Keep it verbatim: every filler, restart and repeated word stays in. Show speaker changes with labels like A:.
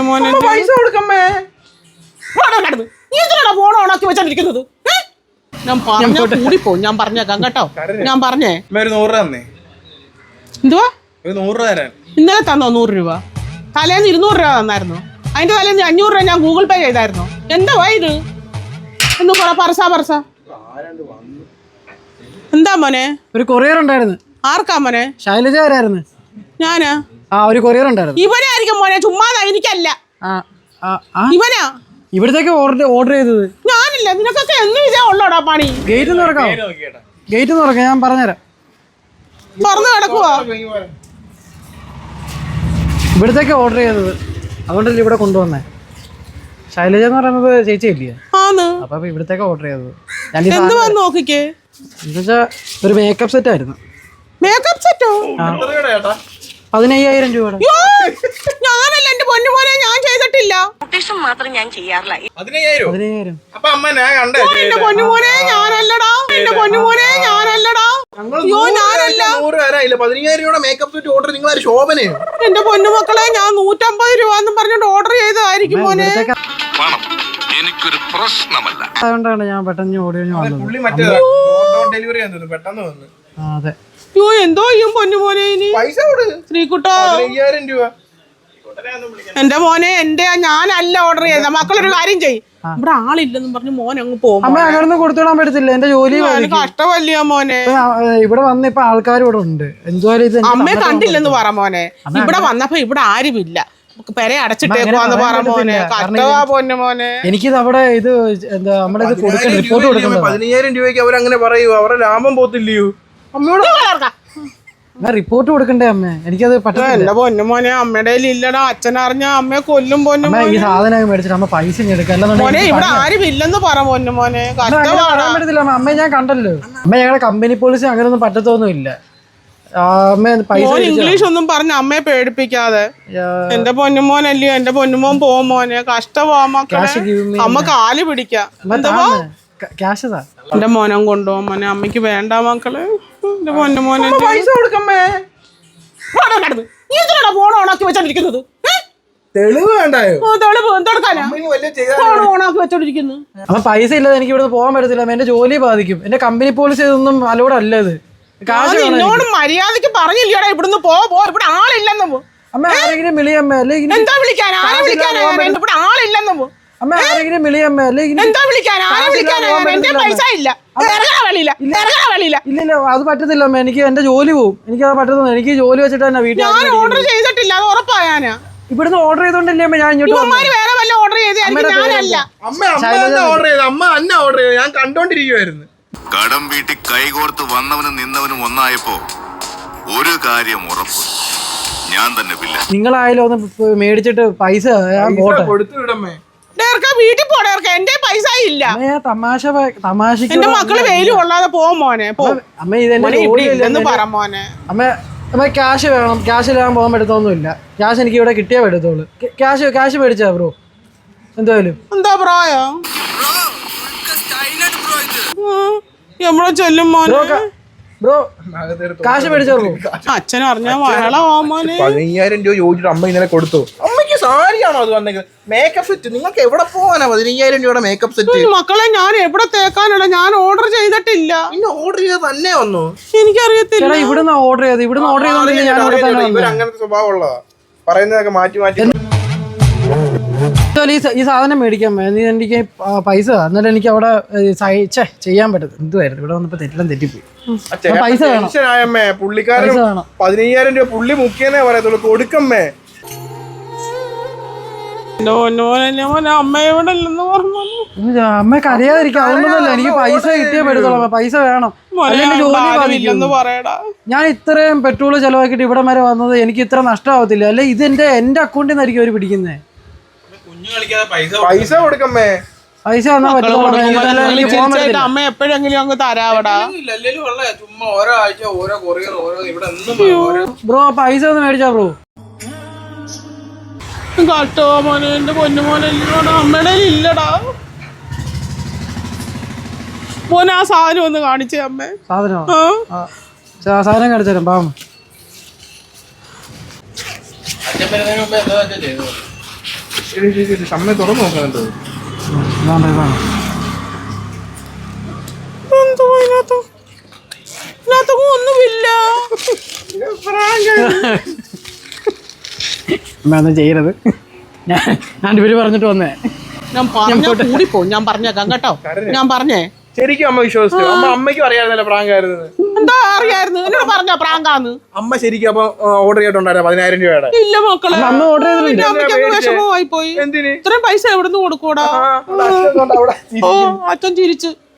A: പൊന്നുമോനെ
B: പൈസ കൊടുക്കമ്മേ.
A: നീ എന്തിനാ ഫോൺ ഓണാക്കി വെച്ചോണ്ടിരിക്കുന്നത്? ഞാൻ പറഞ്ഞ കൂടിപ്പോ ഞാൻ പറഞ്ഞേക്കാം കേട്ടോ. ഞാൻ പറഞ്ഞേ
B: ഒരു നൂറ് രൂപ തന്നേ.
A: എന്തുവാ?
B: ഒരു നൂറ് രൂപ തരാൻ.
A: ഇന്നലെ തന്നോ നൂറ് രൂപ? തലേന്ന് ഇരുന്നൂറ് രൂപ തന്നായിരുന്നു. അതിന്റെ തലേന്ന് അഞ്ഞൂറ് രൂപ ഞാൻ ഗൂഗിൾ പേ ചെയ്തായിരുന്നു. എന്താ ഇത് എന്ന് പറ പറസാ പറസ. എന്താ മോനെ?
C: ഒരു കൊറിയർ ഉണ്ടായിരുന്നു.
A: ആർക്കാ മോനെ?
C: ശൈലജാരായിരുന്നു.
A: ഞാനാ?
C: ആ ഒരു കൊറിയർ ഉണ്ടായിരുന്നു.
A: ഇവനായിരിക്കും മോനെ, ചുമ്മാതാ. എനിക്കല്ല, ഇവനാ.
C: ഇവിടത്തേക്ക് ഓർഡർ ഓർഡർ ചെയ്തത്
A: ഞാനില്ല. നിനക്കൊക്കെ എന്നും ഇതേ ഉള്ളോടാ പണി.
C: ഗേറ്റ് തുറക്കാം, ഗേറ്റ് തുറക്കാം. ഞാൻ പറഞ്ഞുതരാം.
A: തുറന്നു കിടക്കുവാ.
C: ഇവിടത്തേക്ക് ഓർഡർ ചെയ്തത്, അതുകൊണ്ടല്ലേ ഇവിടെ കൊണ്ടുവന്നേ. ശൈലജ എന്ന് പറയുന്നത് ചേച്ചിയില്ലേ? അപ്പൊ ഇവിടത്തേക്ക് ഓർഡർ ചെയ്തത്.
A: എന്തുവാ നോക്കിക്കേ.
C: എന്നുവെച്ചാ ഒരു മേക്കപ്പ് സെറ്റ് ആയിരുന്നു.
A: മേക്കപ്പ് സെറ്റോ?
C: പതിനയ്യായിരം രൂപയുടെ.
A: ഞാനല്ല എന്റെ പൊന്നുമോനെ, ഞാൻ ചെയ്തിട്ടില്ല.
D: മാത്രം ഞാൻ ചെയ്യാറില്ല.
C: പതിനയ്യായിരം.
A: എന്റെ പൊന്നുമോനെ ഞാനല്ലടാ, എന്റെ പൊന്നുമോനെ ഞാനല്ലടാ. അയ്യോ ഞാനല്ല.
B: പതിനയ്യായിരം രൂപയുടെ മേക്കപ്പ് സെറ്റ് ഓർഡർ നിങ്ങളൊരു ശോഭന.
A: എന്റെ പൊന്നുമക്കളെ, ഞാൻ നൂറ്റമ്പത് രൂപ എന്നും പറഞ്ഞോണ്ട് ഓർഡർ ചെയ്തതായിരിക്കും മോനെ.
E: എനിക്കൊരു പ്രശ്നമല്ല.
C: അതുകൊണ്ടാണ് ഞാൻ പെട്ടെന്ന് ഓടി
B: ഡെലിവറി പെട്ടെന്ന് വന്നു.
C: അതെ.
A: അയ്യോ എന്തോ ചെയ്യും പൊന്നുമോനെ ഇനി?
B: പൈസ കൊടു
A: ശ്രീകുട്ടോ.
B: അയ്യായിരം രൂപ.
A: എന്റെ മോനെ, എന്റെ ഞാനല്ല ഓർഡർ ചെയ്ത. മക്കളൊരു കാര്യം ചെയ്യും, ഇവിടെ ആളില്ലെന്നും പറഞ്ഞു മോൻ അങ്ങ് പോകും.
C: അമ്മ അങ്ങനെ കൊടുത്തോളാൻ പറ്റത്തില്ല. എന്റെ ജോലി
A: കഷ്ടമല്ലയോ മോനെ.
C: ഇവിടെ വന്ന ഇപ്പൊ ആൾക്കാർ ഇവിടെ ഉണ്ട്. എന്തുവായാലും
A: അമ്മയെ കണ്ടില്ലെന്ന് പറ മോനെ. ഇവിടെ വന്നപ്പോ ഇവിടെ ആരുമില്ല, പെര അടച്ചിട്ടേക്കുവാന്ന് പറ മോനെ. കഷ്ടവാ പൊന്നു മോനെ.
C: എനിക്കിത് അവിടെ ഇത് എന്താ നമ്മുടെ ഇത് കൊടുക്കണം, റിപ്പോർട്ട് കൊടുക്കണം.
B: പതിനയ്യായിരം രൂപയ്ക്ക് അവരങ്ങനെ പറയൂ, അവരുടെ ലാഭം പോത്തില്ലയോ? അമ്മയോട്
C: റിപ്പോർട്ട് കൊടുക്കണ്ടേ അമ്മ? എനിക്കത്
A: എന്റെ പൊന്നു മോനെ, അമ്മയുടെ ഇല്ലടാ. അച്ഛനറിഞ്ഞ അമ്മയെ കൊല്ലും പൊന്നു
C: ഈ സാധനം മേടിച്ചിട്ട് അമ്മ പൈസ
A: മോനെ. ഇവിടെ ആരും ഇല്ലെന്ന് പറ പൊന്നു മോനെ.
C: പറ്റത്തില്ല അമ്മ, ഞാൻ കണ്ടല്ലോ അമ്മ. ഞങ്ങളുടെ കമ്പനി പോളിസി അങ്ങനെയൊന്നും പറ്റത്തൊന്നുമില്ല.
A: ഇംഗ്ലീഷ് ഒന്നും പറഞ്ഞ അമ്മയെ പേടിപ്പിക്കാതെ. എന്റെ പൊന്നുമോനല്ലയോ, എന്റെ പൊന്നുമോൻ പോവും മോനെ. കഷ്ടമാ മക്കളെ. അമ്മ കാല് പിടിക്കാം. എന്റെ മോനം കൊണ്ടുപോകും മോനെ. അമ്മയ്ക്ക് വേണ്ട മക്കളെ. എന്റെ പൊന്നുമോനെ
B: പൈസ കൊടുക്കമ്മേ.
A: ഫോൺ ഓണാക്കി വെച്ചോണ്ടിരിക്കുന്നത്.
B: തെളിവ് വേണ്ടായോ?
A: തെളിവ് എന്തെടുക്കാനാ ഫോൺ ഓണാക്കി വെച്ചോണ്ടിരിക്കുന്നു?
C: അപ്പൊ പൈസ ഇല്ലാതെ എനിക്ക് ഇവിടെ പോകാൻ പറ്റത്തില്ല. എന്റെ ജോലി ബാധിക്കും. എന്റെ കമ്പനി പോളിസി ഇതൊന്നും അലോഡ് അല്ല. ഇത്
A: എന്നോട് മര്യാദക്ക് പറഞ്ഞില്ലടാ ഇവിടുന്ന് പോ പോ, ഇവിടെ ആളില്ലെന്ന്.
C: അമ്മ ആരെങ്കിലും വിളിയമ്മ.
A: എന്താ വിളിക്കാൻ? ആരെ വിളിക്കാനാ? ഇവിടെ ആളില്ലെന്ന്.
C: അമ്മ ആരെങ്കിലും വിളിയമ്മ.
A: എന്താ വിളിക്കാൻ? ആരെ വിളിക്കാനാ? എന്റെ പൈസ ഇല്ല.
C: ഇല്ല അത് പറ്റത്തില്ല അമ്മ. എനിക്ക് എന്റെ ജോലി പോവും. എനിക്ക് അത് പറ്റത്തില്ല. എനിക്ക് ജോലി വെച്ചിട്ട് തന്നെ വീട്ടിൽ
A: ഞാൻ ഓർഡർ ചെയ്തിട്ടില്ല, അത് ഉറപ്പായാനാ.
C: ഇവിടുന്ന് ഓർഡർ ചെയ്തോണ്ടല്ലേ അമ്മ ഞാൻ ഇങ്ങോട്ട്
A: വേറെ വല്ല ഓർഡർ ചെയ്തായിരിക്കും. ഞാനല്ല.
B: അമ്മ ഓർഡർ ചെയ്ത് അമ്മ അന്ന ഓർഡർ ചെയ്ത് ഞാൻ കണ്ടോണ്ടിരിക്കുവായിരുന്നു.
E: കടം വീട്ടിൽ കൈകോർത്ത് വന്നവനും നിന്നവനും ഒന്നായപ്പോ ഒരു കാര്യം ഉറപ്പ്, ഞാൻ തന്നെ പില്ല.
C: നിങ്ങളായാലും ഒന്ന് മേടിച്ചിട്ട് പൈസ
B: കൊടുത്തു വിടമ്മേ.
A: വീട്ടിൽ പോടേ. എന്റെ പൈസ ഇല്ല.
C: തമാശ തമാശ.
A: എന്റെ മക്കള് വെയിലും കൊള്ളാതെ പോ മോനെ.
C: അമ്മ ഇതെന്ന്
A: പറ മോനെ.
C: അമ്മ അമ്മ ക്യാഷ് വേണം. ക്യാഷ് ഇല്ലാൻ പോകാൻ പറ്റത്തൊന്നുമില്ല. ക്യാഷ് എനിക്ക് ഇവിടെ കിട്ടിയേ പറ്റത്തുള്ളൂ. ക്യാഷ് ക്യാഷ് മേടിച്ചാ ബ്രോ? എന്തായാലും
A: എന്താ ബ്രോയോ? എവിടെ ചെല്ലും മോനെ?
C: ബ്രോ കാശ് മേടിച്ചോ ബ്രോ?
A: അച്ഛൻ അറിഞ്ഞാ വഹളമാ മോനെ.
B: പതിനയ്യായിരം രൂപ ചോദിച്ചിട്ട് അമ്മ ഇന്നലെ കൊടുത്തു. അമ്മയ്ക്ക് സാരിയാണോ അത് വന്നേക്കുന്നത്? മേക്കപ്പ് സെറ്റ് നിങ്ങൾക്ക് എവിടെ പോകാനാ പതിനയ്യായിരം രൂപയുടെ മേക്കപ്പ് സെറ്റ്?
A: മക്കളെ ഞാൻ എവിടെ തേക്കാനാണ്? ഞാൻ ഓർഡർ ചെയ്തിട്ടില്ല.
B: പിന്നെ ഓർഡർ ചെയ്ത് തന്നെ വന്നു.
A: എനിക്കറിയത്തില്ല.
C: ഇവിടുന്ന് ഓർഡർ ചെയ്ത് ഇവിടുന്ന് ഓർഡർ ചെയ്തോണ്ടില്ല. ഞാൻ
B: ഇവർ അങ്ങനത്തെ സ്വഭാവമുള്ളതാ, പറയുന്നതൊക്കെ മാറ്റി മാറ്റി.
C: ഈ സാധനം മേടിക്കാൻ നീ എനിക്ക് പൈസ എന്നിട്ട് എനിക്ക് അവിടെ ചെയ്യാൻ പറ്റും. എന്തുവായിരുന്നു ഇവിടെ വന്നപ്പോ തെറ്റെല്ലാം തെറ്റിപ്പോയി. പൈസ
B: ടെൻഷനായമ്മേ. പുള്ളിക്കാരൻ പതിനയ്യായിരം രൂപ പുള്ളി മുഖ്യന്നേ പറയത്തുള്ളൂ. കൊടുക്കമ്മേ.
C: അമ്മയ്ക്ക് അറിയാതിരിക്കും. അതുകൊണ്ടൊന്നുമല്ല, എനിക്ക് പൈസ കിട്ടിയേ പറ്റത്തുള്ളൂ. പൈസ വേണം. ഞാൻ ഇത്രയും പെട്രോൾ ചെലവാക്കിയിട്ട് ഇവിടെ വരെ വന്നത് എനിക്ക് ഇത്ര നഷ്ടമാവത്തില്ല. അല്ലെ ഇത് എന്റെ എന്റെ അക്കൗണ്ടിൽ നിന്നായിരിക്കും അവര് പിടിക്കുന്നേ.
B: പൈസ കൊടുക്കമ്മേ.
C: പൈസ തന്നാ പറ്റില്ല.
A: അമ്മ എപ്പോഴെങ്കിലും അങ്ങ് തരാവടാ.
C: ബ്രോ പൈസ ഒന്ന് മേടിച്ചാ ബ്രോ?
A: കാട്ടോ മോനെ. എന്റെ പൊന്നുമോനല്ലോടാ. അമ്മയുടെ ഇല്ലടാ മോനെ. ആ സാധനം ഒന്ന് കാണിച്ചേ അമ്മേ.
C: സാധനം സാധനം കാണിച്ചു തരാം. പാവം
B: അമ്മ തുറന്നു നോക്കുന്നുണ്ട്.
C: ഇതാണ് ഇതാണ്
A: എന്തുവാ ഇതിനകത്ത്? ഇതിനകത്ത് ഒന്നുമില്ല.
C: അമ്മ ഒന്നും ചെയ്യരുത്. ഞാൻ ഞാൻ ഇവര് പറഞ്ഞിട്ട് വന്നേ.
A: ഞാൻ പറഞ്ഞ കൂടിപ്പോ ഞാൻ പറഞ്ഞേക്കാം കേട്ടോ. ഞാൻ പറഞ്ഞേ
B: ശരിക്കും അമ്മ വിശ്വസിച്ചു. അമ്മ അമ്മയ്ക്കും അറിയാമായിരുന്നല്ലോ പ്രാങ്കായിരുന്നു.
A: എന്താ അറിയായിരുന്നു? എന്നോട് പറഞ്ഞ പ്രാങ്കാന്ന്.
B: അമ്മ ശരിക്കും അപ്പൊ ഓർഡർ ചെയ്തിട്ടുണ്ടായിരുന്നു പതിനായിരം രൂപയുടെ.
A: ഇല്ല മക്കളെ,
C: അന്ന് ഓർഡർ ചെയ്തില്ല.
A: അമ്മയ്ക്ക് വിഷമമായി പോയി.
B: എന്തിന്
A: ഇത്രയും പൈസ എവിടുന്ന് കൊടുക്കൂടാ?
B: അവിടെ
A: ഓ അച്ഛൻ ചിരിച്ചു.